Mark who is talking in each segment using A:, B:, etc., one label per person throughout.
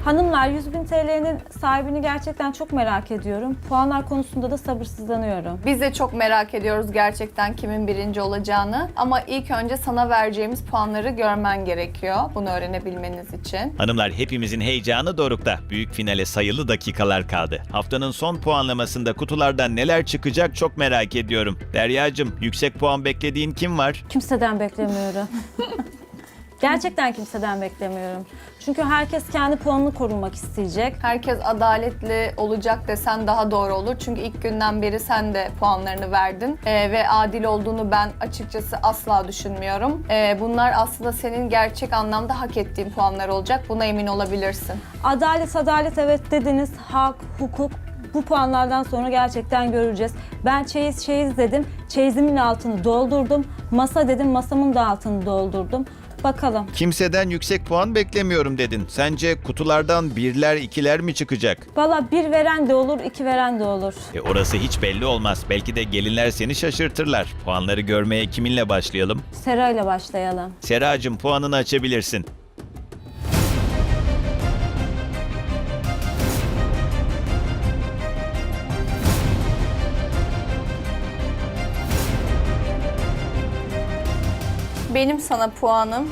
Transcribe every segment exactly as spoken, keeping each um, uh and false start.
A: Hanımlar, yüz bin T L'nin sahibini gerçekten çok merak ediyorum. Puanlar konusunda da sabırsızlanıyorum.
B: Biz de çok merak ediyoruz gerçekten kimin birinci olacağını. Ama ilk önce sana vereceğimiz puanları görmen gerekiyor. Bunu öğrenebilmeniz için.
C: Hanımlar, hepimizin heyecanı dorukta. Büyük finale sayılı dakikalar kaldı. Haftanın son puanlamasında kutulardan neler çıkacak çok merak ediyorum. Deryacığım, yüksek puan beklediğin kim var?
A: Kimseden beklemiyorum. Gerçekten kimseden beklemiyorum. Çünkü herkes kendi puanını korumak isteyecek.
B: Herkes adaletli olacak desen daha doğru olur. Çünkü ilk günden beri sen de puanlarını verdin. Ee, ve adil olduğunu ben açıkçası asla düşünmüyorum. Ee, bunlar aslında senin gerçek anlamda hak ettiğin puanlar olacak. Buna emin olabilirsin.
A: Adalet, adalet evet dediniz. Hak, hukuk. Bu puanlardan sonra gerçekten göreceğiz. Ben çeyiz çeyiz dedim. Çeyizimin altını doldurdum. Masa dedim. Masamın da altını doldurdum. Bakalım.
C: Kimseden yüksek puan beklemiyorum dedin. Sence kutulardan birler, ikiler mi çıkacak?
A: Valla bir veren de olur, iki veren de olur.
C: E orası hiç belli olmaz. Belki de gelinler seni şaşırtırlar. Puanları görmeye kiminle başlayalım?
A: Sera ile başlayalım.
C: Seracığım, puanını açabilirsin.
B: Benim sana puanım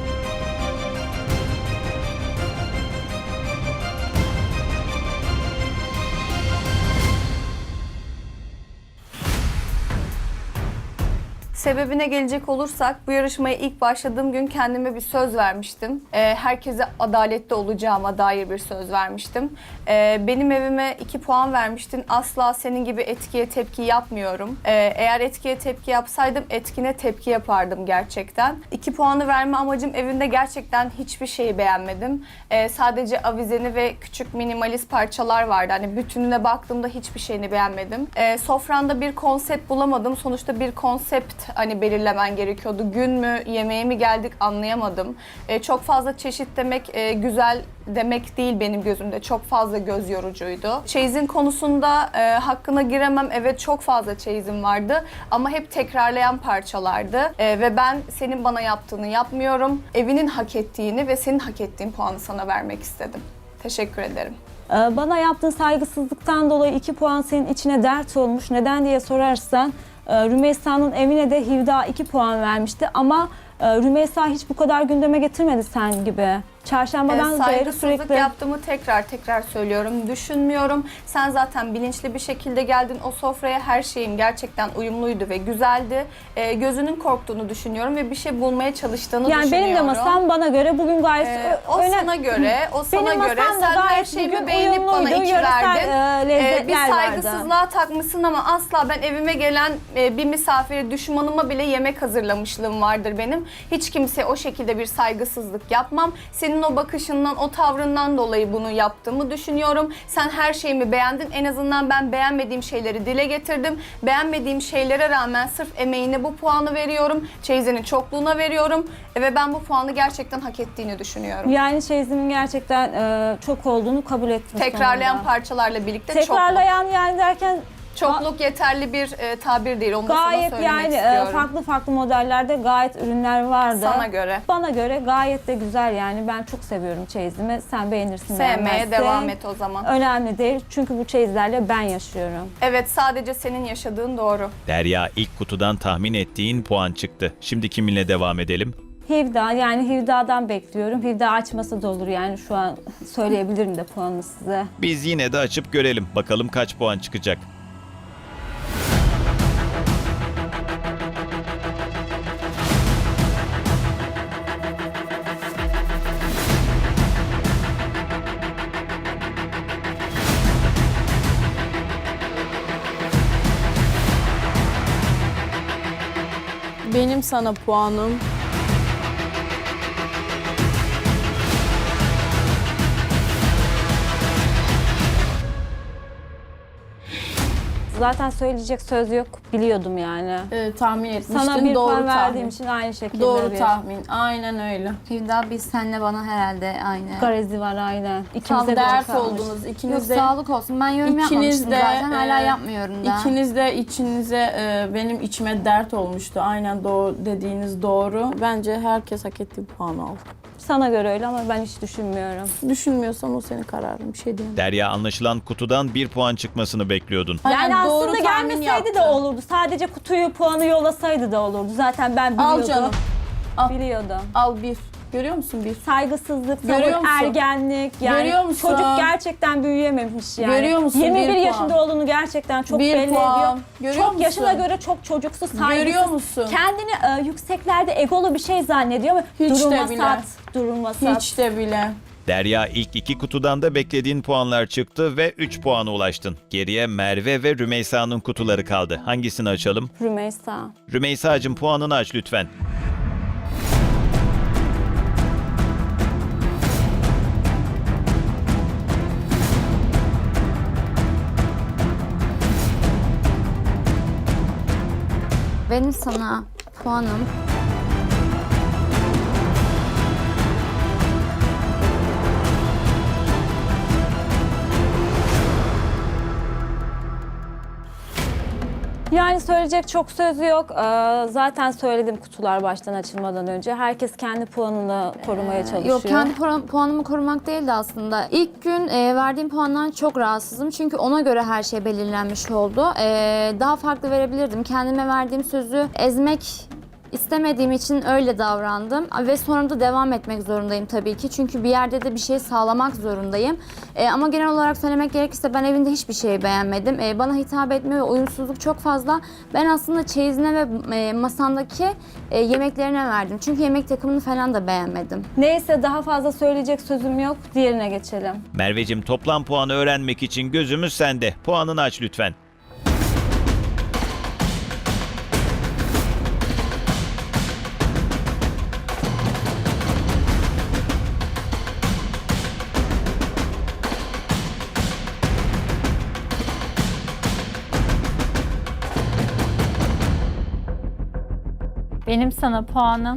B: sebebine gelecek olursak, bu yarışmaya ilk başladığım gün kendime bir söz vermiştim. Ee, herkese adaletli olacağıma dair bir söz vermiştim. Ee, benim evime iki puan vermiştin. Asla senin gibi etkiye tepki yapmıyorum. Ee, eğer etkiye tepki yapsaydım etkine tepki yapardım gerçekten. İki puanı verme amacım, evinde gerçekten hiçbir şeyi beğenmedim. Ee, sadece avizeni ve küçük minimalist parçalar vardı. Hani bütününe baktığımda hiçbir şeyini beğenmedim. Ee, sofranda bir konsept bulamadım. Sonuçta bir konsept hani belirlemen gerekiyordu. Gün mü, yemeğe mi geldik anlayamadım. Ee, çok fazla çeşit demek e, güzel demek değil benim gözümde. Çok fazla göz yorucuydu. Çeyizin konusunda e, hakkına giremem. Evet, çok fazla çeyizim vardı ama hep tekrarlayan parçalardı. E, ve ben senin bana yaptığını yapmıyorum. Evinin hak ettiğini ve senin hak ettiğin puanı sana vermek istedim. Teşekkür ederim.
A: Ee, bana yaptığın saygısızlıktan dolayı iki puan senin içine dert olmuş. Neden diye sorarsan, e, Rümeysa'nın evine de Hivda iki puan vermişti ama e, Rümeysa hiç bu kadar gündeme getirmedi sen gibi. Çarşambadan
B: Ee,
A: beri
B: saygısızlık
A: sürekli...
B: yaptığımı tekrar tekrar söylüyorum. Düşünmüyorum. Sen zaten bilinçli bir şekilde geldin o sofraya. Her şeyim gerçekten uyumluydu ve güzeldi. Ee, gözünün korktuğunu düşünüyorum ve bir şey bulmaya çalıştığını
A: Yani
B: düşünüyorum.
A: benim de masam bana göre bugün gayet...
B: Ee, o
A: öne-
B: sana göre, o sana
A: Benim
B: göre.
A: masam da
B: Sen her
A: gayet
B: şeyimi
A: bugün
B: beğenip bana
A: uyumluydu,
B: iki
A: yöresel,
B: verdin.
A: e, lezzetler
B: Ee, bir
A: vardı.
B: saygısızlığa takmışsın ama asla ben evime gelen e, bir misafire, düşmanıma bile yemek hazırlamışlığım vardır benim. Hiç kimseye o şekilde bir saygısızlık yapmam. Senin o bakışından, o tavrından dolayı bunu yaptığımı düşünüyorum. Sen her şeyimi beğendin. En azından ben beğenmediğim şeyleri dile getirdim. Beğenmediğim şeylere rağmen sırf emeğine bu puanı veriyorum. Çeyizinin çokluğuna veriyorum. E, ve ben bu puanı gerçekten hak ettiğini düşünüyorum.
A: Yani çeyizimin gerçekten e, çok olduğunu kabul ettim.
B: Tekrarlayan
A: sonunda.
B: parçalarla birlikte
A: Tekrarlayan yani derken
B: çokluk. Çokluk yeterli bir e, tabir değil. Onu da sana
A: gayet
B: söylemek
A: yani e,
B: istiyorum.
A: farklı farklı modellerde gayet ürünler vardı.
B: Sana göre.
A: Bana göre gayet de güzel yani. Ben çok seviyorum çeyizimi. Sen beğenirsin,
B: Sevmeye
A: beğenmezsin.
B: devam et o zaman.
A: Önemli değil çünkü bu çeyizlerle ben yaşıyorum.
B: Evet, sadece senin yaşadığın doğru.
C: Derya, ilk kutudan tahmin ettiğin puan çıktı. Şimdi kiminle devam edelim?
A: Hivda, yani Hivda'dan bekliyorum. Hivda açmasa da olur yani, şu an söyleyebilirim de puanını size.
C: Biz yine de açıp görelim. Bakalım kaç puan çıkacak.
D: Benim sana puanım
A: Zaten söyleyecek söz yok, biliyordum yani.
D: e, tahmin etmiştin.
A: Sana bir
D: doğru
A: puan
D: tahmin.
A: verdiğim için aynı şekilde
D: Doğru
A: bir
D: tahmin. Aynen öyle.
E: Hivda, biz senle bana herhalde aynı.
A: garezi var aynen.
D: Tam
A: İkimize de
D: dert
A: kalmış.
D: oldunuz.
E: Yok,
D: İkiniz de,
E: sağlık olsun. Ben yorum
D: İkiniz
E: yapmamıştım
D: de,
E: zaten. Hala
D: e,
E: yapmıyorum da.
D: ikiniz de içinize e, benim içime dert olmuştu. Aynen doğru dediğiniz doğru. Bence herkes hak ettiği puanı aldı.
A: Sana göre öyle ama ben hiç düşünmüyorum.
D: Düşünmüyorsan o senin kararın. Bir şey diyemem.
C: Derya, anlaşılan kutudan bir puan çıkmasını bekliyordun.
D: Aynen,
A: Yani
D: doğru
A: aslında
D: tahmin
A: gelmeseydi de
D: yaptın.
A: olurdu. Sadece kutuyu puanı yollasaydı da olurdu. Zaten ben biliyordum.
D: Al canım. Al.
A: Biliyordum.
D: Al bir. Görüyor musun bir?
A: Saygısızlık,
D: Görüyor
A: tavır,
D: musun?
A: ergenlik. Yani
D: Görüyor musun?
A: çocuk gerçekten büyüyememiş yani.
D: Görüyor musun?
A: yirmi bir
D: Bir
A: yaşında
D: puan.
A: olduğunu gerçekten çok
D: Bir
A: belli
D: puan.
A: ediyor.
D: Görüyor
A: çok
D: musun?
A: yaşına göre çok çocuksu, saygısız.
D: Görüyor musun?
A: Kendini e, yükseklerde egolu bir şey zannediyor ama
D: Hiç de
A: duruma
D: bile.
A: sat, duruma sat.
D: Hiç de bile.
C: Derya, ilk iki kutudan da beklediğin puanlar çıktı ve üç puana ulaştın. Geriye Merve ve Rümeysa'nın kutuları kaldı. Hangisini açalım?
A: Rümeysa.
C: Rümeysa'cığım, puanını aç lütfen.
E: Benim sana puanım
A: Yani söyleyecek çok söz yok. Ee, zaten söyledim kutular baştan açılmadan önce. Herkes kendi puanını korumaya çalışıyor.
E: Yok, kendi puan- puanımı korumak değildi aslında. İlk gün e, verdiğim puandan çok rahatsızım. Çünkü ona göre her şey belirlenmiş oldu. E, daha farklı verebilirdim. Kendime verdiğim sözü ezmek istemediğim için öyle davrandım. Ve sonra da devam etmek zorundayım tabii ki. Çünkü bir yerde de bir şey sağlamak zorundayım. E, ama genel olarak söylemek gerekirse ben evinde hiçbir şeyi beğenmedim. E, bana hitap etme ve uyumsuzluk çok fazla. Ben aslında çeyizine ve e, masandaki e, yemeklerine verdim. Çünkü yemek takımını falan da beğenmedim.
A: Neyse, daha fazla söyleyecek sözüm yok. Diğerine geçelim.
C: Merveciğim, toplam puanı öğrenmek için gözümüz sende. Puanını aç lütfen.
F: Benim sana puanım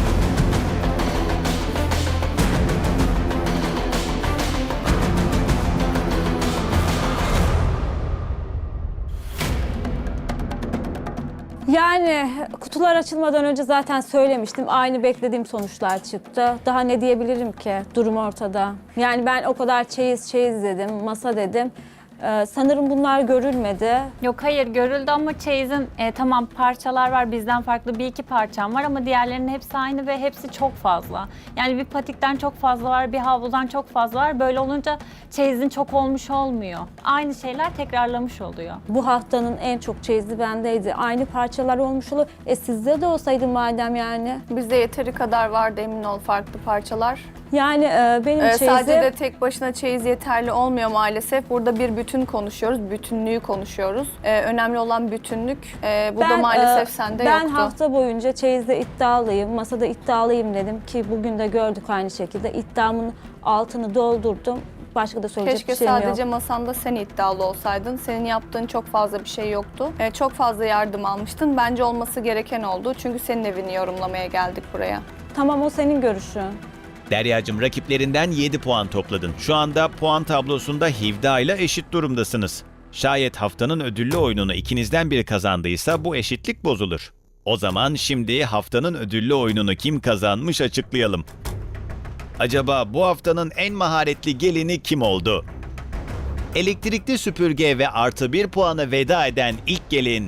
A: Yani kutular açılmadan önce zaten söylemiştim. Aynı beklediğim sonuçlar çıktı. Daha ne diyebilirim ki? Durum ortada. Yani ben o kadar çeyiz çeyiz dedim, masa dedim. Ee, sanırım bunlar görülmedi.
F: yok, hayır görüldü ama çeyizin e, tamam parçalar var, bizden farklı bir iki parçam var ama diğerlerinin hepsi aynı ve hepsi çok fazla. Yani bir patikten çok fazla var, bir havludan çok fazla var. Böyle olunca çeyizin çok olmuş olmuyor. Aynı şeyler tekrarlamış oluyor.
A: Bu haftanın en çok çeyizi bendeydi. Aynı parçalar olmuş olur. E sizde de olsaydı madem yani.
B: Bizde yeteri kadar vardı, emin ol, farklı parçalar.
A: Yani e, benim
B: Ee,
A: çeyizim...
B: sadece de tek başına çeyiz yeterli olmuyor maalesef. Burada bir bütün konuşuyoruz, bütünlüğü konuşuyoruz. Ee, önemli olan bütünlük. Ee, bu da maalesef
A: e,
B: sende
A: ben
B: yoktu.
A: hafta boyunca çeyizde iddialıyım, masada iddialıyım dedim ki bugün de gördük aynı şekilde. İddiamın altını doldurdum. Başka da söyleyecek
B: Keşke
A: bir şeyim
B: sadece
A: yok.
B: masanda sen iddialı olsaydın. Senin yaptığın çok fazla bir şey yoktu. Ee, çok fazla yardım almıştın. Bence olması gereken oldu. Çünkü senin evini yorumlamaya geldik buraya.
A: Tamam, o senin görüşün.
C: Deryacığım, rakiplerinden yedi puan topladın. Şu anda puan tablosunda Hivda ile eşit durumdasınız. Şayet haftanın ödüllü oyununu ikinizden biri kazandıysa bu eşitlik bozulur. O zaman şimdi haftanın ödüllü oyununu kim kazanmış açıklayalım. Acaba bu haftanın en maharetli gelini kim oldu? Elektrikli süpürge ve artı bir puanı veda eden ilk gelin...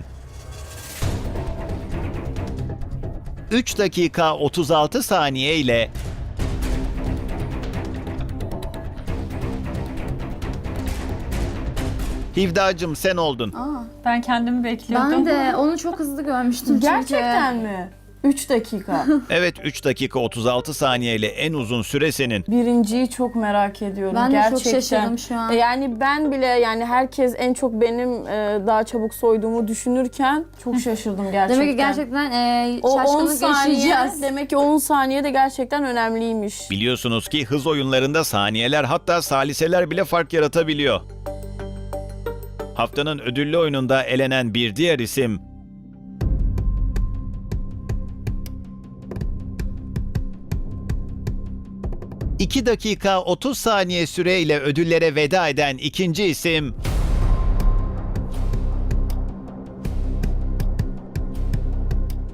C: üç dakika otuz altı saniye ile Hivdacığım, sen oldun.
F: Ben kendimi bekliyordum.
E: Ben de onu çok hızlı görmüştüm çünkü.
D: Gerçekten mi? üç dakika.
C: Evet, üç dakika otuz altı saniye ile en uzun süre senin.
D: Birinciyi çok merak ediyorum.
E: Ben de
D: gerçekten.
E: çok şaşırdım şu an.
D: E, Yani ben bile, yani herkes en çok benim e, daha çabuk soyduğumu düşünürken çok şaşırdım gerçekten.
E: Demek ki gerçekten e,
D: o on
E: şaşkınlık
D: saniye,
E: yaşayacağız.
D: demek ki on saniye de gerçekten önemliymiş.
C: Biliyorsunuz ki hız oyunlarında saniyeler, hatta saliseler bile fark yaratabiliyor. Haftanın ödüllü oyununda elenen bir diğer isim... iki dakika otuz saniye süreyle ödüllere veda eden ikinci isim...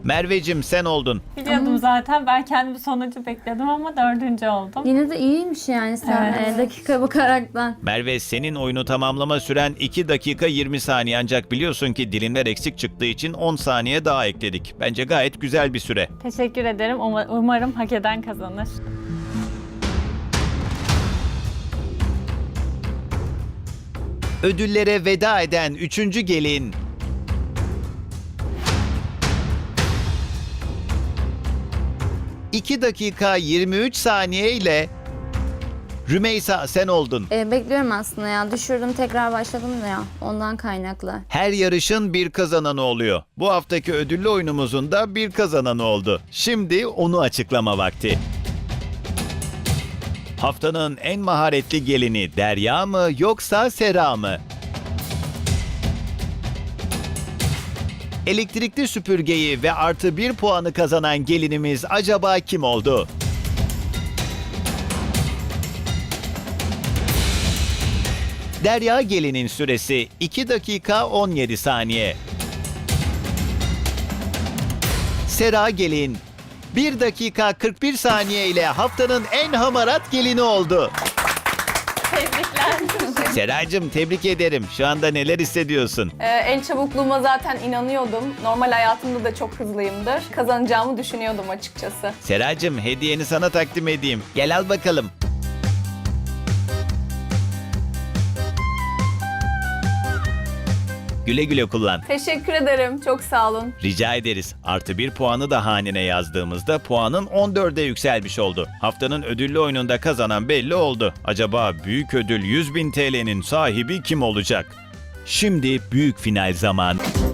C: Mervecim sen oldun.
F: Biliyordum zaten. Ben kendimi sonucu bekledim ama dördüncü oldum.
E: Yine de iyiymiş yani sen
F: Evet.
E: e, dakika bakaraktan.
C: Merve senin oyunu tamamlama süren iki dakika yirmi saniye ancak biliyorsun ki dilimler eksik çıktığı için on saniye daha ekledik. Bence gayet güzel bir süre.
F: Teşekkür ederim. Uma- Umarım hak eden kazanır.
C: Ödüllere veda eden üçüncü gelin iki dakika yirmi üç saniye ile Rümeysa sen oldun.
E: E, bekliyorum aslında ya. Düşürdüm tekrar başladım da ya. Ondan kaynaklı.
C: Her yarışın bir kazananı oluyor. Bu haftaki ödüllü oyunumuzun da bir kazananı oldu. Şimdi onu açıklama vakti. Haftanın en maharetli gelini Derya mı yoksa Sera mı? Elektrikli süpürgeyi ve artı bir puanı kazanan gelinimiz acaba kim oldu? Derya gelinin süresi iki dakika on yedi saniye. Sera gelin bir dakika kırk bir saniye ile haftanın en hamarat gelini oldu.
F: Tebrikler.
C: Seracığım tebrik ederim. Şu anda neler hissediyorsun?
B: Ee, el çabukluğuma zaten inanıyordum. Normal hayatımda da çok hızlıyımdır. Kazanacağımı düşünüyordum açıkçası.
C: Seracığım hediyeni sana takdim edeyim. Gel al bakalım. Güle güle kullan.
B: Teşekkür ederim. Çok sağ olun.
C: Rica ederiz. Artı bir puanı da hanene yazdığımızda puanın on dörde yükselmiş oldu. Haftanın ödüllü oyununda kazanan belli oldu. Acaba büyük ödül yüz bin T L'nin sahibi kim olacak? Şimdi büyük final zamanı.